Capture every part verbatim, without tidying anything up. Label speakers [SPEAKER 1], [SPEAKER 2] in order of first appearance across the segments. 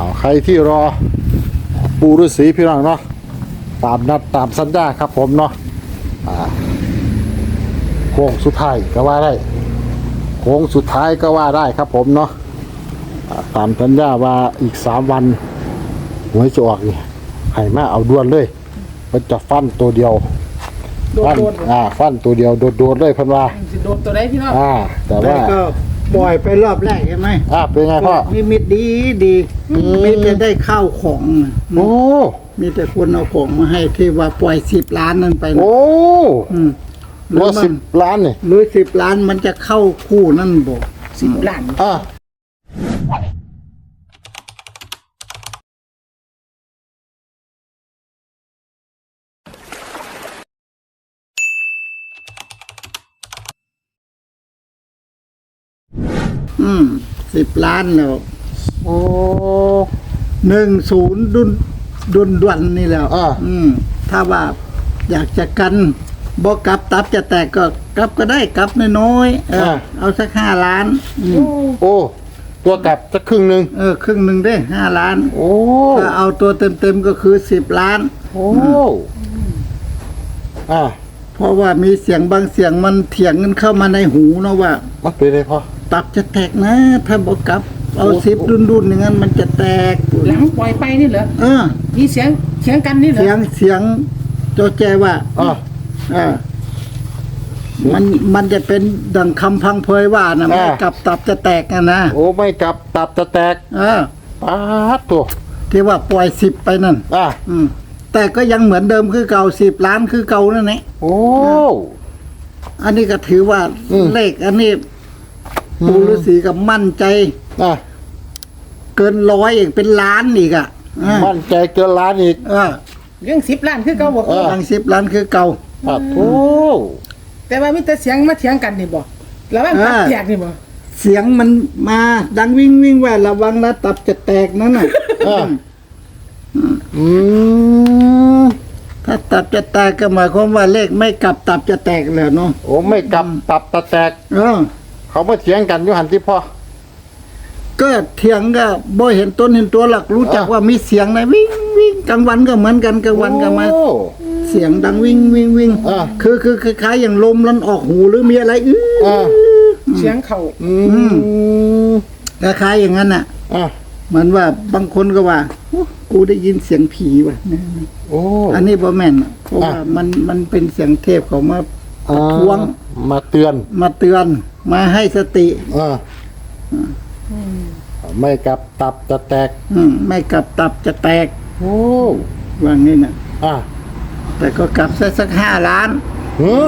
[SPEAKER 1] เอาใครที่รอปูฤาษีพี่น้องเนาะตามนัดตามสัญญาครับผมเนาะอ่าโค้งสุดท้ายก็ว่าได้โค้งสุดท้ายก็ว่าได้ครับผมเนาะตามสัญญาว่าอีกสามวันหวยจะออกนี่ให้มาเอาด่วนเลยมันจะฟันตัวเดียวฟันอ่าฟันตัวเดียวโดดๆเลยเพิ่นว่า
[SPEAKER 2] สิโดดตัวใดพี่น้อง
[SPEAKER 1] อ่าแต่ว่า
[SPEAKER 3] ก็ปล่อยไปรอบแรกใช่ไหม
[SPEAKER 1] อ่าเป็นไงพ่อ
[SPEAKER 3] นิมิตดีดีมีแต่ได้ข้าวของ
[SPEAKER 1] โอ้
[SPEAKER 3] มีแต่คนเอาของมาให้ที่ว่าปล่อยสิบล้านนั่นไป
[SPEAKER 1] โอ้
[SPEAKER 3] ร้อย
[SPEAKER 1] สิบล้านนี่
[SPEAKER 3] หรือสิบล้านมันจะเข้าคู่นั่นบอก
[SPEAKER 2] สิบล้าน
[SPEAKER 1] อ่า
[SPEAKER 3] อืมสิบล้านแล้ว
[SPEAKER 1] โอ้
[SPEAKER 3] หนึ่งศูนย์ดุนดุนดวนนี่แล้ว
[SPEAKER 1] อ่า
[SPEAKER 3] อืมถ้าว่าอยากจะกันบอกกลับตับจะแตกก็กลับก็ได้กลับน้อยๆเออเอาสักห้าล้าน
[SPEAKER 1] โอ้ตัวกลับสักครึ่งหนึ่ง
[SPEAKER 3] เออครึ่งหนึ่งได้ห้าล้าน
[SPEAKER 1] โอ้
[SPEAKER 3] ถ้าเอาตัวเต็มๆก็คือสิบล้าน
[SPEAKER 1] โอ้อ่า
[SPEAKER 3] เพราะว่ามีเสียงบางเสียงมันเถียงกันเข้ามาในหูเนาะว่า
[SPEAKER 1] มันเป็นไรพ่อ
[SPEAKER 3] ตับจะแตกนะถ้าบอกกลับเอาสิบดุนๆอย่างนั้นมันจะแตก
[SPEAKER 2] หลังปล่อยไปนี่เหรอ
[SPEAKER 3] เออ
[SPEAKER 2] มีเสียงเสียงกันนี่เหรอ
[SPEAKER 3] เสียงเสียงโจแจว่า
[SPEAKER 1] อ่า
[SPEAKER 3] อ่ามันมันจะเป็นดังคำพังเพยว่านะไม่กลับตับจะแตกนะนะ
[SPEAKER 1] โอ้ไม่กลับตับจะแตก
[SPEAKER 3] เออ
[SPEAKER 1] ปาดตัว
[SPEAKER 3] ที่ว่าปล่อยสิบไปนั่น
[SPEAKER 1] อ่า
[SPEAKER 3] อืมแต่ก็ยังเหมือนเดิมคือเก่าสิบล้านคือเก่านั่นแหละ
[SPEAKER 1] โอ้
[SPEAKER 3] อันนี้ก็ถือว่าเลขอันนี้ปูฤาษีกับมั่นใจ
[SPEAKER 1] อ่ะ
[SPEAKER 3] เกินร้อยอีกเป็นล้านอีกอ่ะ
[SPEAKER 1] มั่นใจเกินล้านอีก
[SPEAKER 3] เออ
[SPEAKER 2] ยังสิบล้านคือเก่าบอก
[SPEAKER 3] ยังสิบล้านคือเก่า
[SPEAKER 1] โอ้
[SPEAKER 2] แต่ว่ามีแต่เสียงมาเถียงกันนี่บอกแล้วว่าตับแตกนี่บอก
[SPEAKER 3] เสียงมันมาดังวิ่งวิ่งว่าระวังนะตับจะแตกนั่นน่ะ
[SPEAKER 1] อืม
[SPEAKER 3] ถ้าตับจะแตกก็หมายความว่าเลขไม่กลับตับจะแตกแล้วเนาะ
[SPEAKER 1] โอ้ไม่กลับตับจะแตก
[SPEAKER 3] เออ
[SPEAKER 1] เขามาเถียงกันอยู่หันที่พ่อ
[SPEAKER 3] ก็เถียงก็บ่เห็นต้นเห็นตัวหลักรู้จักว่ามีเสียงนะวิ่งวิ่งกลางวันก็เหมือนกันกลางวันก็มาเสียงดังวิ่งวิ่งวิ่งคือคือคล้ายๆอย่างลมลันออกหูหรือมีอะไรอื้อ
[SPEAKER 2] เสียงเข่า
[SPEAKER 3] คล้ายๆอย่างนั้นน่ะเหมือนว่าบางคนก็ว่ากูได้ยินเสียงผีว่ะ
[SPEAKER 1] โอ้
[SPEAKER 3] อันนี้บ่แม่นเพราะว่ามันมันเป็นเสียงเทพเขามาทวง
[SPEAKER 1] มาเตือน
[SPEAKER 3] มาเตือนมาให้สติ
[SPEAKER 1] ไม่กลับตับจะแตก
[SPEAKER 3] ไม่กลับตับจะแตก
[SPEAKER 1] โอ้
[SPEAKER 3] ว่างี้น่ะ
[SPEAKER 1] อ่า
[SPEAKER 3] แต่ก็กลับสักสักห้าล้าน
[SPEAKER 1] หือ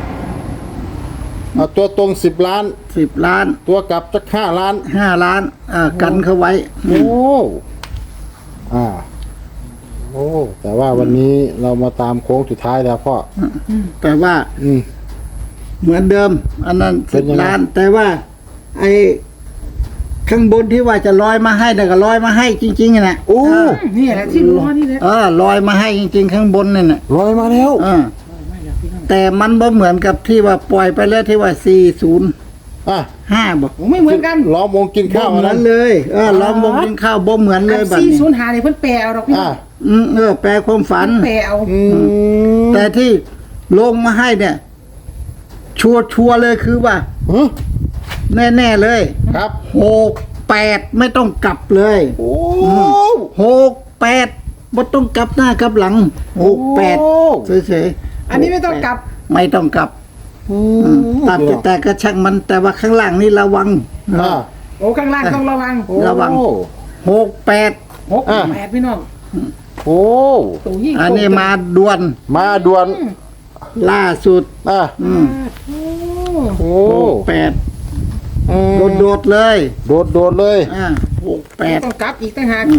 [SPEAKER 1] เอาตัวตรงสิบล้าน
[SPEAKER 3] สิบล้าน
[SPEAKER 1] ตัวกลับสักห้าล้าน
[SPEAKER 3] ห้าล้านอ่ากันเข้าไว้
[SPEAKER 1] โอ้อ่าโอ้แต่ว่าวันนี้เรามาตามโค้งสุดท้ายแล้วพ่อ
[SPEAKER 3] แต่ว่า
[SPEAKER 1] อืม
[SPEAKER 3] เหมือนเดิมอันนั้นสิบล้านแต่ว่าไอ้ข้างบนที่ว่าจะลอยมาให้แต่ก็ลอยมาให้จริงๆน่ะ
[SPEAKER 1] โอ้
[SPEAKER 2] นี่แหละที่ลอยนี่แหละ
[SPEAKER 3] เออลอยมาให้จริงๆข้างบนนี่น่ะ
[SPEAKER 1] ลอยมาแล้ว
[SPEAKER 3] เออแต่มันบ่เหมือนกับที่ว่าปล่อยไปแล้วที่ว่าสี่สิบ
[SPEAKER 1] อ่ะ
[SPEAKER 3] ห้าบอก
[SPEAKER 2] ไม่เหมือนกัน
[SPEAKER 1] ล้อมวงกินข้าว
[SPEAKER 3] นั้นเลยเออล้อมวงกินข้าวบ่เหมือนเลยแบบนี้
[SPEAKER 2] สี่สิบห้านี่เพิ่นแปลเอาดอกพี่
[SPEAKER 3] อืมเออแปลความฝัน
[SPEAKER 2] แปลเอา
[SPEAKER 3] แต่ที่ลงมาให้เนี่ยชัวร์ชัวร์เลยคือว่าแน่ๆเลย
[SPEAKER 1] ครับ
[SPEAKER 3] หกแปดไม่ต้องกลับเลย
[SPEAKER 1] โอ้
[SPEAKER 3] หกแปดไม่ต้องกลับหน้ากลับหลังหกแปดเฉย
[SPEAKER 2] ๆอันนี้ไม่ต้องกลับ
[SPEAKER 3] ไม่ต้องกลับตัดแต่ก็ช่างมันแต่ว่าข้างล่างนี่ระวัง
[SPEAKER 2] โอ้ข้างล่างต้องระวัง
[SPEAKER 3] ระวังหกแปด
[SPEAKER 2] หกแปดพี่น้อง
[SPEAKER 1] โอ้
[SPEAKER 3] อันนี้มาด่วน
[SPEAKER 1] มาด่วน
[SPEAKER 3] ล่าสุด
[SPEAKER 1] อ่ะโอ้
[SPEAKER 3] แปดโดดโดดเลย
[SPEAKER 1] โดดโดดเลย
[SPEAKER 3] อ่าหกแปด
[SPEAKER 2] ต้องกลับอีกต่างหาก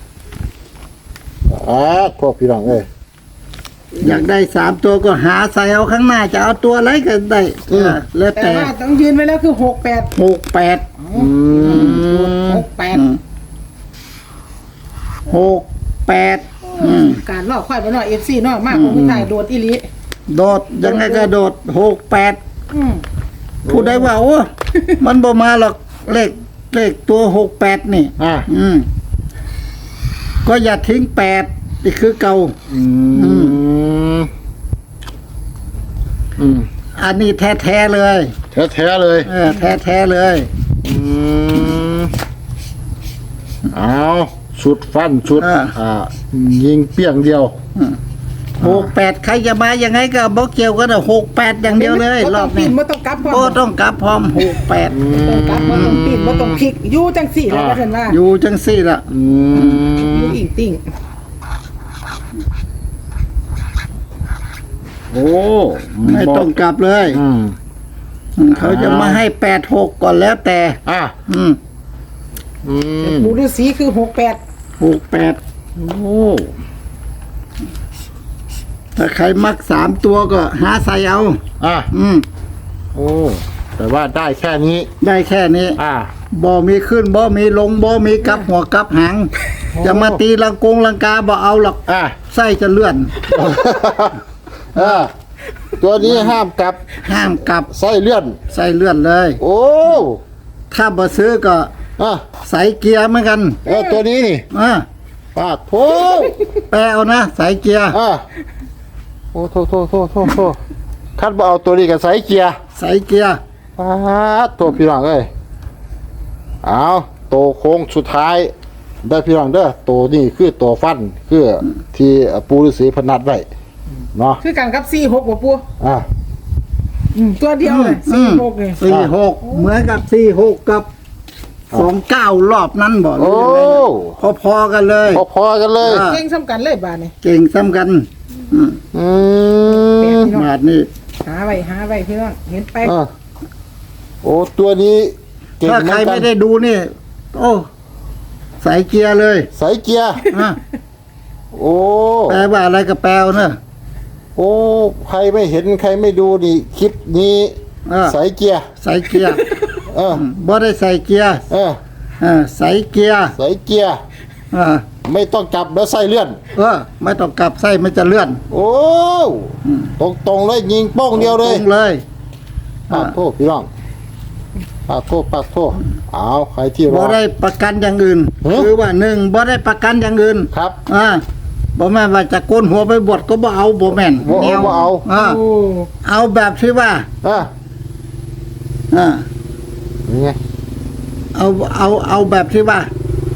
[SPEAKER 1] อ่าพวกพี่น้องเอ้ย
[SPEAKER 3] อยากได้สามตัวก็หาใส่เอาข้างหน้าจะเอาตัวอะไรก็ได้แล้วแต่
[SPEAKER 2] ว่าต้องยืนไว้แล้วคือหกแปด
[SPEAKER 3] หกแปด
[SPEAKER 2] หกแปด
[SPEAKER 3] หกแปด
[SPEAKER 2] การล่อควายไปหน่อยเอฟซีน้อยมากของผู้ชายโดดอีลี
[SPEAKER 3] โดดยังไงก็โดดหกแปดผู้ใดว่าโอ้มันบ่มาหรอกเลขเลขตัวหกแปดนี่
[SPEAKER 1] อ่า
[SPEAKER 3] อืมก็อย่าทิ้งแปดนี่คือเก่า
[SPEAKER 1] อืมอืม
[SPEAKER 3] อันนี้แท้ๆเลย
[SPEAKER 1] แท้ๆเลย
[SPEAKER 3] เออแท้ๆเลย
[SPEAKER 1] อืมเอาชุดฟันชุด
[SPEAKER 3] อ่า
[SPEAKER 1] อ่ายิงเปี้ยงเดียว
[SPEAKER 3] หกแปดใครจะมายังไงก็บอกเกี่ยวกันหกแปดอย่างเดียวเลย
[SPEAKER 2] บ่
[SPEAKER 3] ร
[SPEAKER 2] ต้
[SPEAKER 3] อ
[SPEAKER 2] อง
[SPEAKER 3] บ
[SPEAKER 2] ปี
[SPEAKER 3] นี้
[SPEAKER 2] นบ่ต้องกลับพร้อม
[SPEAKER 3] โอ้ต้องกลับพร้อมหกแปด
[SPEAKER 2] บ่ต้องกลับบ่ต้องปีนบ่ต้องพลิกอยู่จังสี่แล้วว่าซั่นว่า
[SPEAKER 3] อยู่จังสี่ละ
[SPEAKER 1] อื
[SPEAKER 2] อ
[SPEAKER 1] ม
[SPEAKER 2] ยู่อิงติ่ง
[SPEAKER 1] โอ้
[SPEAKER 3] ไม่ต้องกลับเลย
[SPEAKER 1] อืม
[SPEAKER 3] เขาจะมาให้แปดหกก่อนแล้วแต่
[SPEAKER 1] อ่ะ
[SPEAKER 3] อืม
[SPEAKER 1] อืม
[SPEAKER 2] ปู่ฤาษีคือหกแปด
[SPEAKER 3] หกแปด
[SPEAKER 1] โอ้
[SPEAKER 3] ถ้าใครมักสามตัวก็หาใส่เอา
[SPEAKER 1] อ่ะ
[SPEAKER 3] อืม
[SPEAKER 1] โอ้แต่ว่าได้แค่นี้
[SPEAKER 3] ได้แค่นี้
[SPEAKER 1] อ่ะ
[SPEAKER 3] บ่มีขึ้นบ่มีลงบ่มีกลับหัวกลับหาง จะมาตีลังกงลังกาบ่เอาหรอก
[SPEAKER 1] อ่ะ
[SPEAKER 3] ไส้จะเลื่อน
[SPEAKER 1] เออตัวนี้ห้ามกลับ
[SPEAKER 3] ห้ามกลับ
[SPEAKER 1] ไส้เลื่อน
[SPEAKER 3] ไส้เลื่อนเลย
[SPEAKER 1] โอ้
[SPEAKER 3] ถ้าบ่ซื้อก็
[SPEAKER 1] อ่ะ
[SPEAKER 3] ใส่เกียร์เหมือนกัน
[SPEAKER 1] เออตัวนี้นี่
[SPEAKER 3] อ่า
[SPEAKER 1] ปาดโถ
[SPEAKER 3] แปลเอานะใส่เกียร์
[SPEAKER 1] อ่ะโอ้โทโทโทโทโทคัดบ่เอาตัวนี้กับไซเกียร์
[SPEAKER 3] ใส่เกียร์
[SPEAKER 1] ปาดตัวพี่น้องเอ้ยเอาตัวโค้งสุดท้ายได้พี่น้องเด้อตัวนี้คือตัวฟันคือที่ปูฤาษีพนัดไว้เนาะ
[SPEAKER 2] คือกันกับสี่หกบ่ปู่
[SPEAKER 1] อ่ะ
[SPEAKER 2] อืมตัวเดียวเลย
[SPEAKER 3] อื
[SPEAKER 2] สี่
[SPEAKER 3] ม
[SPEAKER 2] หกนี่
[SPEAKER 3] สี่หกเหมือนกับสี่หกกับสองเก้ารอบนั้นบ่หรื
[SPEAKER 1] โอ้
[SPEAKER 3] อยังไงนะพอๆกันเลย
[SPEAKER 1] พอๆกันเลย
[SPEAKER 3] อ่ะ
[SPEAKER 2] เก่งซ้ำกันเลยบาดนี่
[SPEAKER 3] เก่งซ้ำกันอืม
[SPEAKER 1] อืม
[SPEAKER 3] บาทนี่
[SPEAKER 2] หาไว้หาไว้พี่น้องเห็นไป
[SPEAKER 1] อ่ะโอ้ตัวนี้เก่ง
[SPEAKER 3] ถ้า
[SPEAKER 1] เหมื
[SPEAKER 3] ใคร
[SPEAKER 1] อนกั
[SPEAKER 3] ไม่
[SPEAKER 1] น
[SPEAKER 3] ได้ดูนี่ โอ้ใส่เกียร์เลย
[SPEAKER 1] ไซเกียร์
[SPEAKER 3] อ่ะ
[SPEAKER 1] โอ้
[SPEAKER 3] แปลว่าอะไรก็แปลเอาเนอะ
[SPEAKER 1] โอ้ใครไม่เห็นใครไม่ดูนี่คลิปนี้
[SPEAKER 3] เออ
[SPEAKER 1] ไซเกียร์
[SPEAKER 3] ใส่เกียร์
[SPEAKER 1] เออ
[SPEAKER 3] บ่ได้ใส่เกียร์
[SPEAKER 1] เออ
[SPEAKER 3] เออใส่เกียร์
[SPEAKER 1] ไซเกียร์
[SPEAKER 3] เออ
[SPEAKER 1] ไม่ต้องจับแล้วไส้เลื่อน
[SPEAKER 3] เออไม่ต้องกลับไส้มันจะเลื่อน
[SPEAKER 1] โอ้ตรงตรงๆเลยยิงโป้งเดียวเลย
[SPEAKER 3] ตรงเลย
[SPEAKER 1] ปากโทษพี่น้องปากโทษปากโทษเอาใครที่ร
[SPEAKER 3] บ่
[SPEAKER 1] อ
[SPEAKER 3] ได้ประกันอย่างอื่น
[SPEAKER 1] ฮะ
[SPEAKER 3] คือว่าหนึ่งบ่ได้ประกันอย่างอื่น
[SPEAKER 1] ครับ
[SPEAKER 3] อ่าบ่แม่นว่าจะโกนหัวไปบวชก็บ่เอาบ่แม่น
[SPEAKER 1] บ่เอาบ่เอา
[SPEAKER 3] อ่า
[SPEAKER 2] โอ้
[SPEAKER 3] เอาแบบที่ว่า
[SPEAKER 1] อ่ะ
[SPEAKER 3] อ่า
[SPEAKER 1] นี่ไง
[SPEAKER 3] เอาเอาเอาแบบที่ว่า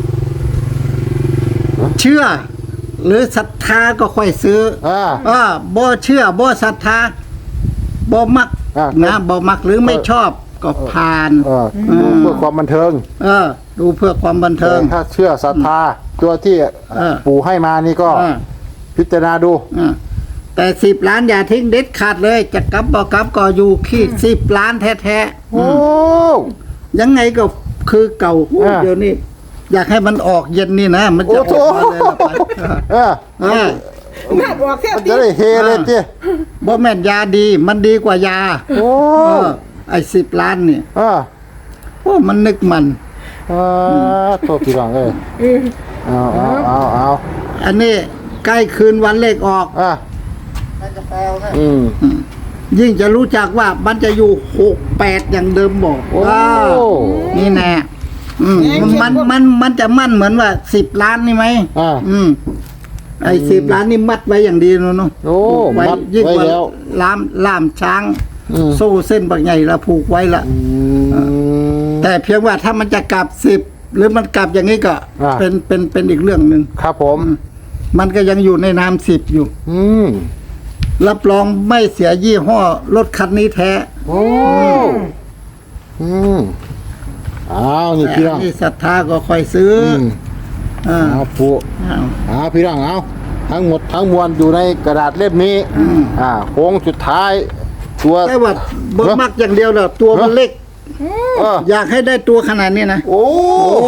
[SPEAKER 3] เชื่อ หรือศรัทธาก็ค่อยซื้อ
[SPEAKER 1] อ่า
[SPEAKER 3] อ่าบ่เชื่อบ่ศรัทธาบ่มัก
[SPEAKER 1] อ่ะ
[SPEAKER 3] นะบ่มักหรือไม่ชอบก็ผ่าน
[SPEAKER 1] เออดูเพื่อความบันเทิง
[SPEAKER 3] เออ ดูเพื่อความบันเทิง
[SPEAKER 1] แต่ถ้าเชื่อศรัทธาตัวที่
[SPEAKER 3] เออ
[SPEAKER 1] ปู่ให้มานี่ก็
[SPEAKER 3] อ่า
[SPEAKER 1] พิจารณาดู
[SPEAKER 3] อ่าแต่สิบล้านอย่าทิ้งเด็ดขาดเลย จะกลับบ่กลับก็อยู่ที่สิบล้านแท้
[SPEAKER 1] โอ้
[SPEAKER 3] ๆยังไงก็คือเก่าโอ้
[SPEAKER 1] อ่า
[SPEAKER 3] เดี๋ยวนี้ อยากให้มันออกเย็นนี่นะ มันจะอ
[SPEAKER 1] โอ้
[SPEAKER 3] อก
[SPEAKER 1] โห
[SPEAKER 3] มาเลยละไป
[SPEAKER 1] เออ
[SPEAKER 3] เออ
[SPEAKER 2] น่าบอกแค่
[SPEAKER 1] มัน
[SPEAKER 2] ตี
[SPEAKER 1] จะได้เฮเลยเตี้ย
[SPEAKER 3] บ่แม่นยาดี มันดีกว่ายา
[SPEAKER 1] โอ้
[SPEAKER 3] เออไอ้สิบล้านนี่
[SPEAKER 1] อ่า
[SPEAKER 3] โอ้มันนึกมัน
[SPEAKER 1] อ่าโทษพี่น้องเอ้ย
[SPEAKER 2] เออ
[SPEAKER 1] เอาเอาเอาเอา
[SPEAKER 3] อันนี้ใกล้คืนวันเลขออก
[SPEAKER 1] อ่ะอืม
[SPEAKER 3] ยิ่งจะรู้จักว่ามันจะอยู่หกแปดอย่างเดิมบอก
[SPEAKER 1] โอ้
[SPEAKER 3] ว้าวนี่แน่อืมมันมันมันจะมั่นเหมือนว่าสิบล้านนี่ไหม
[SPEAKER 1] อ่า
[SPEAKER 3] อืมไอ้สิบล้านนี่มัดไว้อย่างดีเนาะเนาะ
[SPEAKER 1] โอ้
[SPEAKER 3] ผูกไว้
[SPEAKER 1] มัด
[SPEAKER 3] ยิ่ง
[SPEAKER 1] ไว้
[SPEAKER 3] กว่า
[SPEAKER 1] แล้ว
[SPEAKER 3] ล่ามล่ามช้าง
[SPEAKER 1] อืม
[SPEAKER 3] โซ่เส้นบางใหญ่ละผูกไว้ละ
[SPEAKER 1] อืม
[SPEAKER 3] แต่เพียงว่าถ้ามันจะกลับสิบหรือมันกลับอย่างนี้ก็
[SPEAKER 1] อ่า
[SPEAKER 3] เป็นเป็นเป็นอีกเรื่องหนึ่ง
[SPEAKER 1] ครับผม
[SPEAKER 3] มันก็ยังอยู่ในนามสิบอยู่
[SPEAKER 1] อืม
[SPEAKER 3] รับรองไม่เสียยี่ห้อรถคันนี้แท้
[SPEAKER 1] โอ้อืมเอานี่
[SPEAKER 3] แต่
[SPEAKER 1] พี่น้อง
[SPEAKER 3] ที่ศรัทธาก็ค่อยซื้อ
[SPEAKER 1] อื
[SPEAKER 3] อ
[SPEAKER 1] ม
[SPEAKER 3] อ่า
[SPEAKER 1] เอาปู่
[SPEAKER 3] เอา
[SPEAKER 1] เอาพี่น้องเอาทั้งหมดทั้งมวลอยู่ในกระดาษเล่มนี้
[SPEAKER 3] อืม
[SPEAKER 1] อ่าโค้งสุดท้าย ตัว
[SPEAKER 3] แต่ว่าบ่มักอย่างเดียวเด้อตัวมันเล็ก
[SPEAKER 1] เออ
[SPEAKER 3] อยากให้ได้ตัวขนาดนี้นะ
[SPEAKER 1] โอ้
[SPEAKER 3] โอ้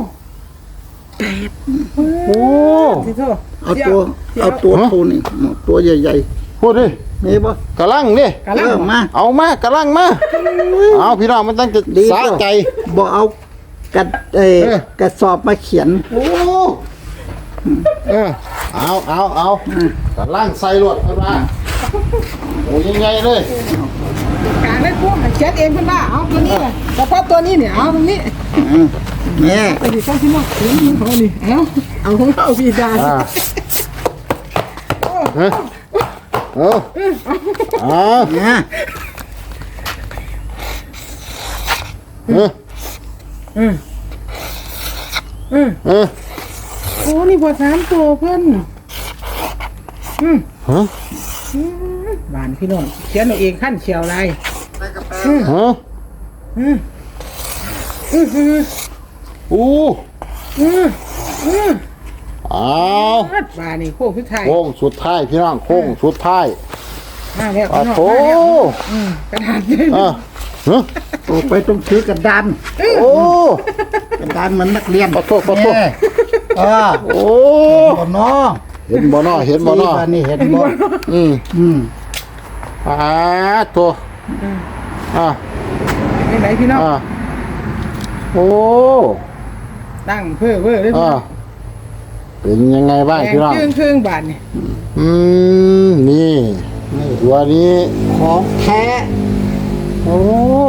[SPEAKER 1] โอ้
[SPEAKER 2] สิโทษ
[SPEAKER 3] เอาตัวเอาตัวโทนี่ตัวใหญ่
[SPEAKER 1] พูดดิ
[SPEAKER 3] ๆมีบ่
[SPEAKER 1] กระลังนี่
[SPEAKER 2] กะลั
[SPEAKER 3] เอง อมา
[SPEAKER 1] เอามากระลังมาเอาพี่น้องมันตั้งจะ
[SPEAKER 3] ดี
[SPEAKER 1] สาใจ
[SPEAKER 3] บ่เอากระเอ่อ
[SPEAKER 1] เออ
[SPEAKER 3] กระสอบมาเขียน
[SPEAKER 1] โอ้เออเอาเอาเอากระลังใส่รวดเข้ามาโอ้ยังไงเลย
[SPEAKER 2] กลางได้พวกเขียนเองเพิ่นว่าเอาตัวนี้แหละเฉพาะตัวนี้เนี่ยเอาตรงนี้
[SPEAKER 3] อืมแม่
[SPEAKER 2] ไปดิเข้าที่นอกเสียงของเขานี่เอาเอาของเขาพี่ดา
[SPEAKER 1] อ่าเฮ้ยเอาเอา
[SPEAKER 3] เนี่ย
[SPEAKER 1] เออ
[SPEAKER 2] อืมอืม
[SPEAKER 1] เออ
[SPEAKER 2] โอ้นี่บทสามตัวเพิ่นอืม
[SPEAKER 1] ฮะ
[SPEAKER 2] บานพี่น้องเขียนเอาเองขั้นเขียวลาย
[SPEAKER 1] ฮะ
[SPEAKER 2] อืมอืมอืม
[SPEAKER 1] อู้
[SPEAKER 2] อืมอืม
[SPEAKER 1] เอา
[SPEAKER 2] บานนี่โค้งสุดท้าย
[SPEAKER 1] โค้งสุดท้ายพี่น้องโค้งสุดท้าย
[SPEAKER 2] มาแล้ว
[SPEAKER 1] อ่ะ
[SPEAKER 2] พี่น้อง
[SPEAKER 1] โอ้
[SPEAKER 2] มาแล้วอืมกระดาษเลย
[SPEAKER 1] อ่ะฮะ
[SPEAKER 3] โอ้ไปต้องถือกระดาน
[SPEAKER 1] โอ้
[SPEAKER 3] กระดานเหมือนนักเรียน
[SPEAKER 1] ขอโทษขอโทษ
[SPEAKER 3] แม่เออ
[SPEAKER 1] โอ้
[SPEAKER 3] บ่เนาะ
[SPEAKER 1] เห็นบ่เนาะเห็นบ่เนาะ
[SPEAKER 3] ที่บ้นี่เห็นบ่
[SPEAKER 1] อืม
[SPEAKER 3] อืม
[SPEAKER 1] อ่าตัวอ่า
[SPEAKER 2] เป็นไหนพี่น้อง
[SPEAKER 1] อ่าโอ้
[SPEAKER 2] ตั้งเพื่อเพื่อเลยพี่
[SPEAKER 1] อ่า
[SPEAKER 2] น้อง
[SPEAKER 1] เป็นยังไงบ้าง
[SPEAKER 2] แดง
[SPEAKER 1] พี่น้อง
[SPEAKER 2] เครื่องเครื่องบานนี่
[SPEAKER 1] อืมนี่ตัวนี้
[SPEAKER 3] ของแท้
[SPEAKER 1] โอ้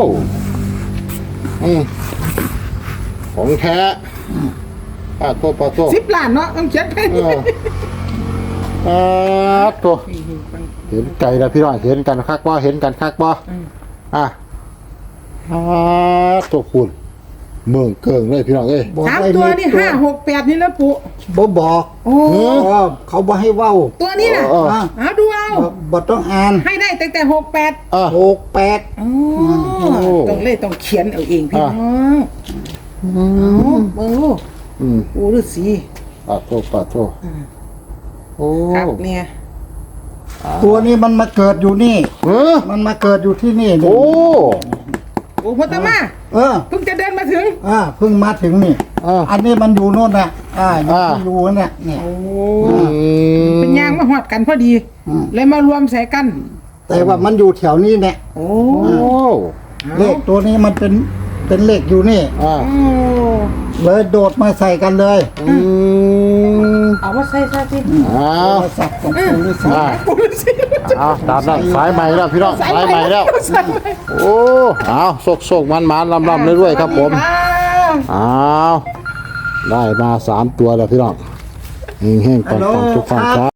[SPEAKER 1] อืมของแท้ปาโทษปาโทษ
[SPEAKER 2] สิบล้านเนาะต้องเขียนไป
[SPEAKER 1] เอออ่าตัวเห็นไก่แล้วพี่น้องเห็นกันคักบ่เห็นกันคักบ่อ่ะอ่าตัวคุณเมืองเกิงเลยพี่น้องเอ้ย
[SPEAKER 3] บอก
[SPEAKER 2] สาม
[SPEAKER 3] ได้
[SPEAKER 2] ตัว
[SPEAKER 3] เลข
[SPEAKER 2] นี่ห้าหกแปดนี่แล้วปุ
[SPEAKER 3] บ่บอก
[SPEAKER 2] โอ้
[SPEAKER 1] เออ
[SPEAKER 3] เออเขาบ่ให้เว้า
[SPEAKER 2] ตัวนี้น่ะ
[SPEAKER 1] เออ
[SPEAKER 3] อ่ะ
[SPEAKER 2] เอาดูเอา
[SPEAKER 3] บ่บ่ต้องอ่าน
[SPEAKER 2] ให้ได้ตั้งแต่หกแปด
[SPEAKER 1] อ่ะ
[SPEAKER 3] หกแปด
[SPEAKER 2] อ๋อ
[SPEAKER 1] โอ้
[SPEAKER 2] ต้องเลยต้องเขียนเอาเองพี่
[SPEAKER 1] อ่ะ
[SPEAKER 2] น้องเอาเบิ่งลูก
[SPEAKER 1] อืม
[SPEAKER 2] ปูฤาษี
[SPEAKER 1] ปาโทษปาโทษโอ้
[SPEAKER 2] ครับเนี่ย
[SPEAKER 3] ตัวนี้มันมาเกิดอยู่นี่
[SPEAKER 1] เออ
[SPEAKER 3] มันมาเกิดอยู่ที่นี่นี่
[SPEAKER 1] โอ้
[SPEAKER 2] โอ้พ่อตามา
[SPEAKER 3] เออ
[SPEAKER 2] เพิ่งจะเดินมาถึง
[SPEAKER 3] อ่าเพิ่งมาถึงนี่
[SPEAKER 1] อ่ะ
[SPEAKER 3] อันนี้มันอยู่โน่นน่ะอ่าอยู่
[SPEAKER 1] อ่า
[SPEAKER 3] ที่รูเนี่ยเนี่ย
[SPEAKER 2] โอ้
[SPEAKER 1] อืม
[SPEAKER 2] เป็นยางมาหอดกันพอดี
[SPEAKER 3] อืม
[SPEAKER 2] เลยมารวมใส่กัน
[SPEAKER 3] แต่ว่ามันอยู่แถวนี้เนี่ย
[SPEAKER 2] โอ้
[SPEAKER 1] โอ้
[SPEAKER 3] เลขตัวนี้มันเป็นเป็นเลขอยู่นี่
[SPEAKER 1] อ่ะ
[SPEAKER 2] โอ้
[SPEAKER 3] เลยโดดมาใส่กันเลย
[SPEAKER 1] อืม
[SPEAKER 2] เอามาใส่ซะสิ
[SPEAKER 1] อ้าว
[SPEAKER 3] โทรศัพท์ของคุณฤาษี
[SPEAKER 1] อ่ะ
[SPEAKER 2] ปูฤาษี
[SPEAKER 1] เอาตามนั้นสายใหม่แล้วพี่น้องสายใหม่แล้ว
[SPEAKER 2] ใส่ใหม่
[SPEAKER 1] โอ้เอาโศกโศกมันมันลำลำเรื่อยๆครับผม
[SPEAKER 2] สวัสดีครับ
[SPEAKER 1] เอาได้มาสามตัวแล้วพี่น้องเฮงๆปังๆทุกฝั่งครับ